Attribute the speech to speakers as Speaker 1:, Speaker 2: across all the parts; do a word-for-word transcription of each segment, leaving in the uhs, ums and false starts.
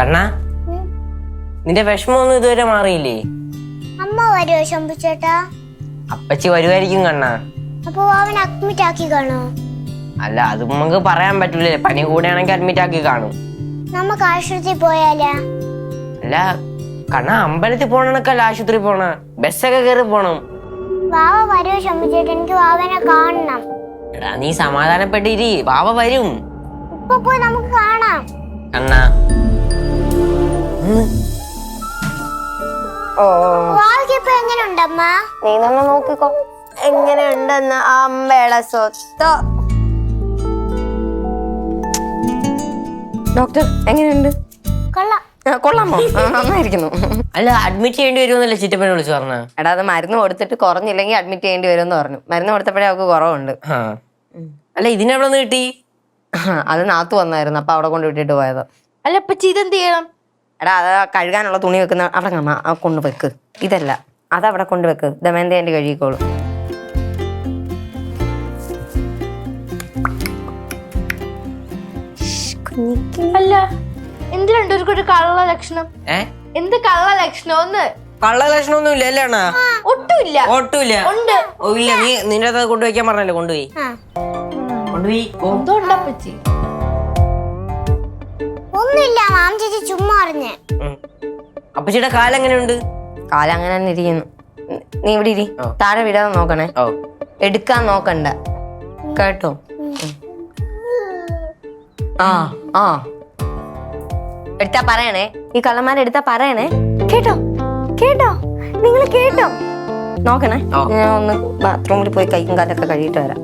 Speaker 1: കണ്ണാ നിന്റെ വിഷമമൊന്നും ഇതുവരെ മാറിയില്ലേ?
Speaker 2: അമ്മ വരുമോ ശംഭുച്ചേട്ടാ?
Speaker 1: അപ്പച്ചി വരുമായിരിക്കും കണ്ണാ.
Speaker 2: അപ്പൊ അവൻ അഡ്മിറ്റ് ആക്കി കാണോ?
Speaker 1: അല്ല അത് നമുക്ക് പറയാൻ പറ്റൂലേ, പനി കൂടെയാണെങ്കിൽ അഡ്മിറ്റ് ആക്കി കാണും.
Speaker 2: നമുക്ക് ആശുപത്രി പോയാലാ?
Speaker 1: അല്ല കണ്ണാ, അമ്പലത്തിൽ പോണക്കല്ല ആശുപത്രി പോണ, ബസ്സൊക്കെ കയറി പോണം.
Speaker 2: വാവ വരുമോ ശംഭുച്ചേട്ടാ? എനിക്ക് വാവനെ കാണണം.
Speaker 1: എടാ നീ സമാധാനപ്പെട്ടിരി, വാവ വരും.
Speaker 2: ഇപ്പൊ പോയി നമുക്ക് കാണാം.
Speaker 1: കണ്ണാ
Speaker 2: വാവയ്ക്ക് ഇപ്പൊ എങ്ങനെയുണ്ടമ്മ?
Speaker 3: നീ തന്നെ നോക്കിക്കോ എങ്ങനെയുണ്ടെന്ന്. അമ്പേള സ്വത്തോ. ഡോക്ടർ എങ്ങനെയുണ്ട്?
Speaker 2: കൊള്ളാം.
Speaker 3: കൊള്ളാമോ? നന്നായിരിക്കുന്നു.
Speaker 1: അല്ല അഡ്മിറ്റ് ചെയ്യേണ്ടി വരുമെന്നല്ലേ ചിറ്റപ്പനെ വിളിച്ചു പറഞ്ഞ?
Speaker 3: എടാ അത് മരുന്ന് കൊടുത്തിട്ട് കുറഞ്ഞില്ലെങ്കിൽ അഡ്മിറ്റ് ചെയ്യേണ്ടി വരുമെന്ന് പറഞ്ഞു. മരുന്ന് കൊടുത്തപ്പോഴേ അവർക്ക് കുറവുണ്ട്.
Speaker 1: അല്ല ഇതിനെവിടെ നിന്ന് കിട്ടി?
Speaker 3: അത് നാത്തു വന്നായിരുന്നു, അപ്പൊ അവിടെ കൊണ്ട് വിട്ടിട്ട് പോയത്.
Speaker 4: അല്ല ഇപ്പൊ ഇതെന്ത് ചെയ്യണം?
Speaker 3: എടാ അത് കഴുകാനുള്ള തുണി വെക്കുന്ന അവിടെ കാണാ, ആ കൊണ്ട് വെക്ക്. ഇതല്ല അതവിടെ കൊണ്ട് വെക്ക്, ദമയന്തേന്റെ കഴുകിക്കോളൂ.
Speaker 4: അല്ല എന്തിനുണ്ട് ഒരു കള്ള ലക്ഷണം? എന്ത് കള്ള ലക്ഷണം? ഒന്ന്
Speaker 1: കള്ള ലക്ഷണമൊന്നും ഇല്ല അല്ലേ അണ്ണാ?
Speaker 4: ഒട്ടുമില്ല.
Speaker 1: ഒട്ടുമില്ല.
Speaker 4: ഉണ്ട്.
Speaker 1: ഓ ഇല്ല, നീ നിന്റെ അത് കൊണ്ടുവയ്ക്കാൻ പറഞ്ഞല്ലേ, കൊണ്ടുപോയി കൊണ്ടുപോയി.
Speaker 4: എന്തുകൊണ്ടപ്പച്ചി?
Speaker 2: ഒന്നുമില്ല മാം ചേച്ചി ചുമ്മാ അറിഞ്ഞേ.
Speaker 1: അപ്പച്ചിയുടെ കാലം എങ്ങനെയുണ്ട്?
Speaker 3: കാലം അങ്ങനെ തന്നെ ഇരിക്കുന്നു. നീ ഇവിടെ ഇരി, താഴെ വിടാതെ നോക്കണേ, എടുക്കാൻ നോക്കണ്ട കേട്ടോ. ആ ആ എടുത്താ പറയണേ, ഈ കള്ളന്മാരെ എടുത്താ പറയണേ കേട്ടോ. കേട്ടോ നിങ്ങൾ കേട്ടോ. നോക്കണേ, ഞാൻ ഒന്ന് ബാത്റൂമിൽ പോയി കൈക്കും കാലൊക്കെ കഴുകിയിട്ട് വരാം.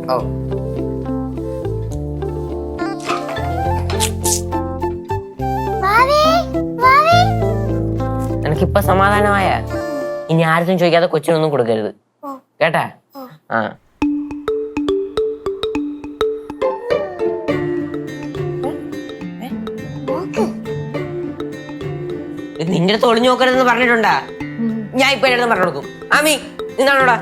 Speaker 1: എനിക്കിപ്പൊ സമാധാനമായ, ഇനി ആർക്കും ചോദിക്കാതെ കൊച്ചിനൊന്നും കൊടുക്കരുത് കേട്ടാ? ആ നിന്റെ അടുത്ത് ഒളിഞ്ഞു നോക്കരുതെന്ന് പറഞ്ഞിട്ടുണ്ടാ? ഞാൻ ഇപ്പൊ എന്റെ അടുത്ത് പറഞ്ഞു കൊടുക്കും. ആമി നിന്നാണോടാ?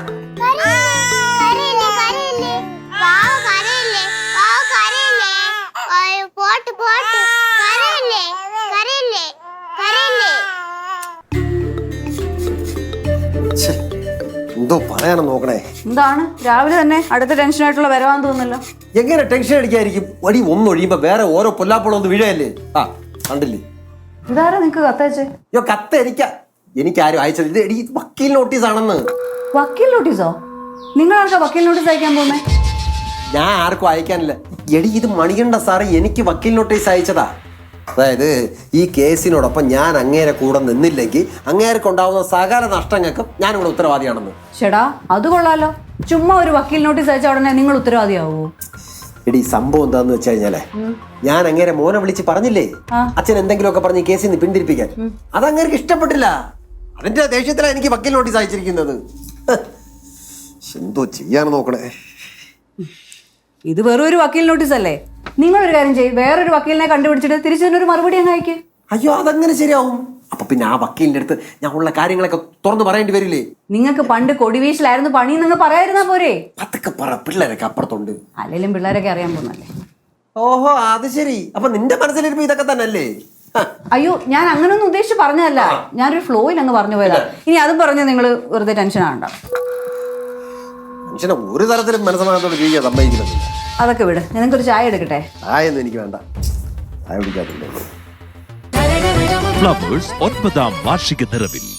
Speaker 5: എന്തോ പറയാനും നോക്കണേ.
Speaker 6: എന്താണ് രാവിലെ തന്നെ അടുത്ത ടെൻഷനായിട്ടുള്ള വരവാന്ന് തോന്നുന്നല്ലോ.
Speaker 5: എങ്ങനെ ടെൻഷൻ അടിക്കായിരിക്കും? വടി ഒന്നൊഴിയുമ്പോ വേറെ ഓരോ പൊല്ലാപ്പോളം ഒന്ന് വീഴയല്ലേ. ആ കണ്ടില്ലേ?
Speaker 6: ഇതാരാ നിങ്ങക്ക് കത്തയച്ചേ?
Speaker 5: അയ്യോ കത്ത് എനിക്കാ, എനിക്കാരും അയച്ചത്. ഇത് എടി വക്കീൽ നോട്ടീസ് ആണെന്ന്.
Speaker 6: വക്കീൽ നോട്ടീസോ? നിങ്ങൾ ആർക്കാ വക്കീൽ നോട്ടീസ് അയക്കാൻ പോകുന്നേ?
Speaker 5: ഞാൻ ആർക്കും അയക്കാനില്ല എടി, ഇത് മണികണ്ഠ സാറ് എനിക്ക് വക്കീൽ നോട്ടീസ് അയച്ചതാ. അതായത് ഈ കേസിനോടൊപ്പം ഞാൻ അങ്ങേരെ കൂടെ നിന്നില്ലെങ്കിൽ അങ്ങേർക്ക് ഉണ്ടാവുന്ന സകല നഷ്ടങ്ങൾക്കും ഞാനിവിടെ ഉത്തരവാദിയാണെന്ന്.
Speaker 6: ചേടാ അത് കൊള്ളാലോ. ചുമ്മാ ഒരു വക്കീൽ നോട്ടീസ് അയച്ച ഉടനെ നിങ്ങൾ ഉത്തരവാദിയാവോ?
Speaker 5: എടി സംഭവം എന്താന്ന് വെച്ച് കഴിഞ്ഞാലേ, ഞാൻ അങ്ങേരെ മോനെ വിളിച്ച് പറഞ്ഞില്ലേ അച്ഛൻ എന്തെങ്കിലുമൊക്കെ പറഞ്ഞ് ഈ കേസിൽ നിന്ന് പിന്തിരിപ്പിക്കാൻ. അത് അങ്ങേർക്ക് ഇഷ്ടപ്പെട്ടില്ല. അതിന്റെ ദേഷ്യത്തിലാണ് എനിക്ക് വക്കീൽ നോട്ടീസ് അയച്ചിരിക്കുന്നത്. എന്തോ ചെയ്യാൻ നോക്കണേ.
Speaker 6: ഇത് വെറും ഒരു വക്കീൽ നോട്ടീസ് അല്ലേ? നിങ്ങളൊരു കാര്യം ചെയ്യും, വേറൊരു വക്കീലിനെ കണ്ടുപിടിച്ചിട്ട് തിരിച്ചൊരു മറുപടി അങ്ങ് അയക്ക്.
Speaker 5: അയ്യോ അതെങ്ങനെ ശരിയാവും? അപ്പൊ പിന്നെ ആ വക്കീലിന്റെ അടുത്ത് ഞാൻ ഉള്ള കാര്യങ്ങളൊക്കെ തുറന്നു പറയേണ്ടി വരില്ലേ?
Speaker 6: നിങ്ങൾക്ക് പണ്ട് കൊടിവീശിലായിരുന്നു പണി നിങ്ങൾ പറയായിരുന്നാ പോരെ?
Speaker 5: അതൊക്കെ പറ, പിള്ളേരൊക്കെ അപ്പുറത്തുണ്ട്.
Speaker 6: അല്ലെങ്കിലും പിള്ളേരൊക്കെ അറിയാൻ പോകുന്നല്ലേ.
Speaker 5: ഓഹോ അത് ശരി. അപ്പൊ നിന്റെ മനസ്സിലിരിപ്പോ ഇതൊക്കെ തന്നെ അല്ലേ?
Speaker 6: അയ്യോ ഞാൻ അങ്ങനൊന്നും ഉദ്ദേശിച്ച് പറഞ്ഞതല്ല, ഞാനൊരു ഫ്ലോയിൽ അങ്ങ് പറഞ്ഞു പോയതാ. ഇനി അതും പറഞ്ഞ് നിങ്ങൾ വെറുതെ ടെൻഷൻ ആവണ്ട.
Speaker 5: മനുഷ്യനെ ഒരു തരത്തിലും മനസ്സമാനത്തോട് ജീവിക്കാൻ സമ്മതിക്കുന്നില്ല.
Speaker 6: അതൊക്കെ വിട്, നിങ്ങൾക്കൊരു ചായ എടുക്കട്ടെ?
Speaker 5: ചായൊന്നും എനിക്ക് വേണ്ട, ചായ കുടിക്കാത്തില്ല.
Speaker 7: ഫ്ലവേഴ്സ് ഒൻപതാം വാർഷിക നിറവിൽ